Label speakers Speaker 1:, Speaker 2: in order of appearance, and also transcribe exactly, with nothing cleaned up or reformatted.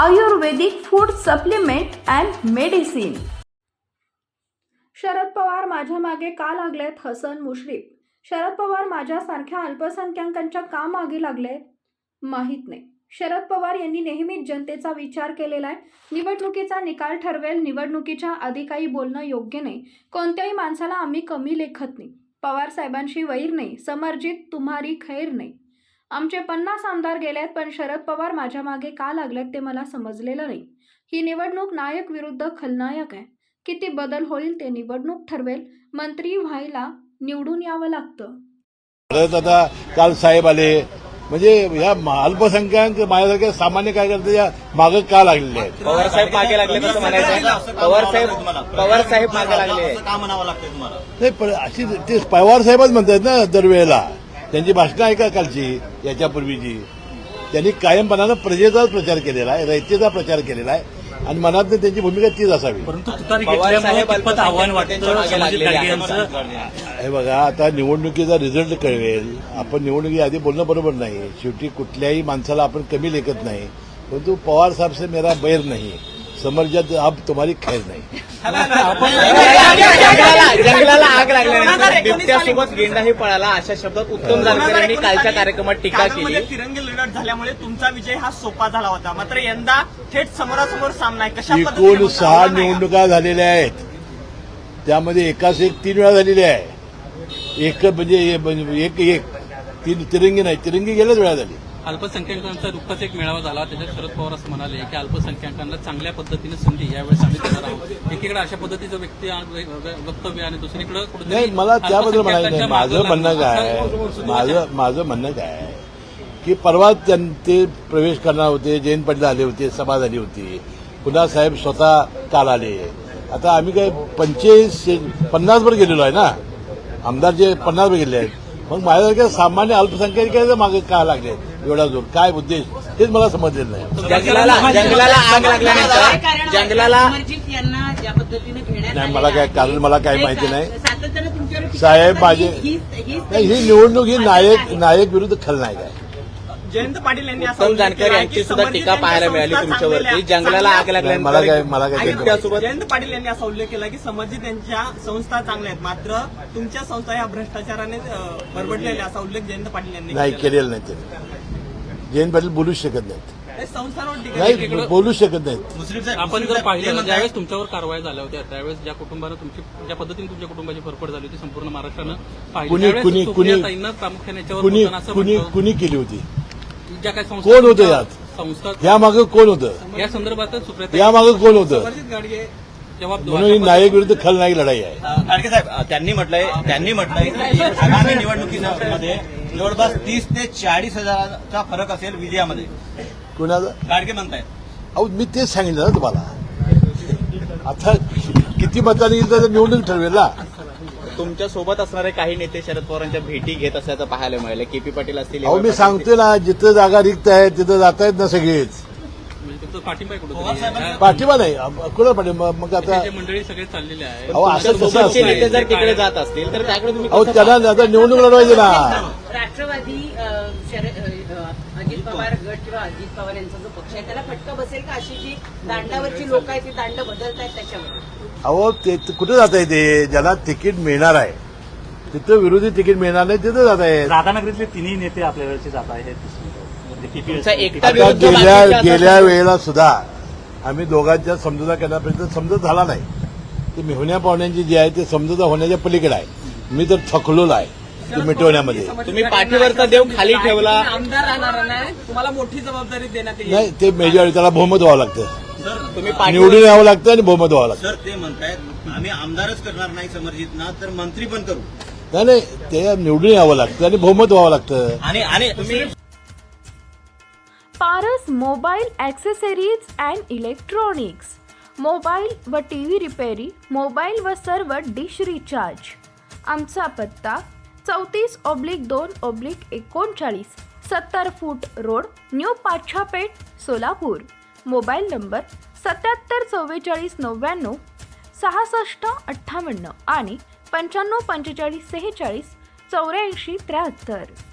Speaker 1: Ayurvedic food supplement and medicine. Sharad Pawar माझ्या मागे का लागलेत? हसन मुश्रीफ। शरद पवार माझ्यासारख्या अल्पसंख्याकांच्या का मागे लागलेत? माहीत नाही। शरद पवार यांनी नेहमीच जनतेचा विचार केलेला आहे। निवडणुकीचा निकाल ठरवेल, निवडणुकीच्या आधी काही बोलणं योग्य नाही। कोणत्याही माणसाला आम्ही कमी लेखत नाही। पवार साहेबांशी वैर नाही, समर्जित तुम्हारी खैर नाही। आमचे पन्नास आमदार गेलेत, पण शरद पवार माझ्या मागे का लागलेत ते मला समजलेलं नाही। ही निवडणूक नायक विरुद्ध खलनायक आहे। किती बदल होईल ते निवडणूक ठरवेल। मंत्री व्हायला निवडून यावं लागतं।
Speaker 2: परत आता काल साहेब आले, म्हणजे या अल्पसंख्याक माझ्यासारख्या सामान्य कार्यकर्त्याच्या मागे का लागलेले आहेत?
Speaker 3: पवार साहेब मागे लागले कसं म्हणायचं? पवार साहेब पवार साहेब मागे लागले
Speaker 4: का म्हणावं लागतंय तुम्हाला?
Speaker 2: नाही, पण अशी ते पवार साहेबच म्हणतात ना दरवेळेला। त्यांची भाषणं ऐका कालची, याच्यापूर्वीची। त्यांनी कायमपणानं प्रजेचाच प्रचार केलेला आहे, रयतेचा प्रचार केलेला आहे आणि मनात त्यांची भूमिका तीच असावी।
Speaker 5: परंतु तुतारी घेतल्यामुळे कितपत आव्हान वाटतं समाजिक यांचं?
Speaker 2: हे बघा, आता निवडणुकीचा रिझल्ट कळवेल। आपण निवडणुकीआधी बोलणं बरोबर नाही। शेवटी कुठल्याही माणसाला आपण कमी लेखत नाही, परंतु पवार साहेब से मेरा बैर नहीं, समर्जित अब तुम्हारी खैर नहीं।
Speaker 3: जंगलाला आग लागल्यानंतर बिबट्यासोबत गेंडाही पळाला, अशा शब्दात उत्तम जानकर यांनी कालच्या कार्यक्रमात टीका केली।
Speaker 4: तिरंगी लढत झाल्यामुळे तुमचा विजय हा सोपा झाला होता, मात्र यंदा थेट समोरासमोर सामना आहे। कशा
Speaker 2: एकूण सहा निवडणुका झालेल्या आहेत, त्यामध्ये एकाच एक तीन वेळा झालेली आहे। एक म्हणजे एक एक तीन तिरंगी नाही, तिरंगी गेल्याच वेळा झाली।
Speaker 5: अल्पसंख्याकांचा दुःखाचा एक मेळावा झाला, त्याच्यात शरद पवार असं म्हणाले की अल्पसंख्याकांना चांगल्या पद्धतीने संधी यावेळेस आम्ही देणार आहोत। एकीकडे अशा पद्धतीचं व्यक्ती वक्तव्य आणि दुसरीकडे
Speaker 2: नाही, मला त्याबद्दल म्हणायचं नाही। माझं म्हणणं काय माझं माझं म्हणणं काय की परवा ते प्रवेश करणार होते, जयंत पाटील आले होते, सभा झाली होती, पुन्हा साहेब स्वतः काल आले। आता आम्ही काय पंचेचाळीस पन्नास वर गेलेलो आहे ना, आमदार जे पन्नास वर गेले आहेत। मग माझ्यासारख्या सामान्य अल्पसंख्याकांच्या मागे का लागले एवढा जोर? काय उद्देश तेच मला समजलेलं नाही।
Speaker 3: जंगलाला जंगलाला आग लागल्यानंतर जंगलाला
Speaker 2: नाही, मला काय कारण मला काही माहिती नाही। साहेब माझे नाही, ही निवडणूक ही नायक नायक विरुद्ध खलनायक आहे।
Speaker 4: जयंत पाटील यांनी
Speaker 3: उत्तम जानकर यांची सुद्धा टीका पाहायला मिळाली तुमच्यावरती। जंगलाला आग
Speaker 2: मला काय
Speaker 3: लागल्यानंतर
Speaker 2: मला काय
Speaker 3: बिबट्यासोबत
Speaker 4: जयंत पाटील यांनी असा उल्लेख केला की समर्जित यांच्या संस्था चांगल्या आहेत, मात्र तुमच्या संस्था या भ्रष्टाचाराने बरबडलेल्या, असा उल्लेख जयंत पाटील यांनी
Speaker 2: नाही केलेलं नाही। ते जयंत पाटील बोलूच शकत नाहीत,
Speaker 4: संस्थांवर टीका
Speaker 2: नाही बोलू शकत नाहीत।
Speaker 5: आपण जर पाहिलं ज्यावेळेस तुमच्यावर कारवाई झाल्या होत्या, त्यावेळेस ज्या कुटुंबानं तुमची ज्या पद्धतीने तुमच्या कुटुंबाची फरफड झाली होती संपूर्ण महाराष्ट्रानं पाहिली,
Speaker 2: कुणी
Speaker 5: त्यावेळेस
Speaker 2: कुणी कुणी
Speaker 5: सुप्रियाताईंना प्रामुख्याने याच्यावर
Speaker 2: कुणी
Speaker 5: बोलताना असं
Speaker 2: कुणी
Speaker 5: म्हटलं,
Speaker 2: कुणी केली होती?
Speaker 5: ज्या काही संस्था
Speaker 2: कोण होतं यात?
Speaker 5: संस्था
Speaker 2: या मागे कोण होतं?
Speaker 5: या संदर्भात सुप्रियाताई
Speaker 2: या मागे कोण होतं?
Speaker 4: समर्जित गाडगे
Speaker 5: जबाब
Speaker 2: म्हणून ही नायक विरुद्ध खलनायक लढाई आहे।
Speaker 4: गाडगे साहेब त्यांनी म्हटलंय त्यांनी म्हटलंय की आगामी निवडणुकीमध्ये जवळपास तीस ते चाळीस हजाराचा फरक असेल विजयामध्ये।
Speaker 2: कुणाचं?
Speaker 4: गाडगे म्हणतायत।
Speaker 2: अहो, मी तेच सांगितलं ना तुम्हाला। आता किती मतांनी येईल तर निवडणूक ठरवेल ना।
Speaker 3: तुमच्या सोबत असणारे काही नेते शरद पवारांच्या भेटी घेत असल्याचं पाहायला मिळालं। केपी पाटील असतील,
Speaker 2: अहो, मी सांगतोय ना, जिथं जागा रिक्त आहे तिथं जात आहेत ना सगळेच।
Speaker 5: म्हणजे तुमचं पाठिंबा आहे कुठं?
Speaker 2: पाठिंबा नाही, कुणाला पाठिंबा? मग आता
Speaker 5: मंडळी सगळे चाललेले आहे।
Speaker 2: अहो, असं कसं
Speaker 3: सोबतचे नेते
Speaker 2: असतं?
Speaker 3: जर तिकडे जात असतील तर त्याकडे तुम्ही
Speaker 2: अहो,
Speaker 3: कसं
Speaker 2: त्यांना आता निवडणूक लढवायची ना।
Speaker 6: राष्ट्रवादी अ, शरद अ, अजित पवार गट किंवा अजित पवार यांचा जो पक्ष आहे त्याला फटका बसेल का? अशी जी दांडावरची लोक आहेत ती दांड बदलतायत त्याच्यावर?
Speaker 2: अहो, ते कुठे जात आहे? ते ज्याला तिकीट मिळणार आहे तिथं विरोधी तिकीट मिळणार नाही तिथं जात आहे।
Speaker 7: राधानगरीतले तिन्ही नेते आपल्या वेळेचे जात आहेत।
Speaker 3: तुमचा एकटा
Speaker 2: आता
Speaker 3: विरुद्ध
Speaker 2: गेल्या
Speaker 3: बाकीचे
Speaker 2: गेल्या
Speaker 3: असं-
Speaker 2: वेळेला सुद्धा आम्ही दोघांच्या समजुता करण्यापर्यंत समजत झाला नाही। ते मेहुण्या पाहुण्यांची जी आहे ते समजुता होण्याच्या पलीकडे आहे। मी तर थकलोला आहे ते मिटवण्यामध्ये।
Speaker 3: तुम्ही पाठीवरचा देव खाली ठेवला,
Speaker 4: आमदार राहणार नाही, तुम्हाला मोठी जबाबदारी देण्यात येईल।
Speaker 2: नाही, ते मेजॉरिटी त्याला बहुमत व्हावं लागतं,
Speaker 3: तुम्ही पाठीवर
Speaker 2: निवडून यावं लागतं आणि बहुमत व्हावं लागतं।
Speaker 4: सर ते म्हणतायत आम्ही आमदारच करणार नाही समर्जितना, तर मंत्री पण करू।
Speaker 2: नाही नाही, ते निवडून यावं लागतं आणि बहुमत व्हावं लागतं।
Speaker 4: आणि आणि तुम्ही
Speaker 1: Paras mobile accessories and electronics, mobile व टी व्ही रिपेरी, मोबाईल व सर्व डिश रिचार्ज। आमचा पत्ता चौतीस ऑब्लिक दोन ऑब्लिक एकोणचाळीस, सत्तर foot road, new Pachhapeth, Solapur. Mobile number सत्याहत्तर चव्वेचाळीस नव्याण्णव सहासष्ट अठ्ठावन्न आणि पंच्याण्णव पंचेचाळीस सेहेचाळीस चौऱ्याऐंशी त्र्याहत्तर।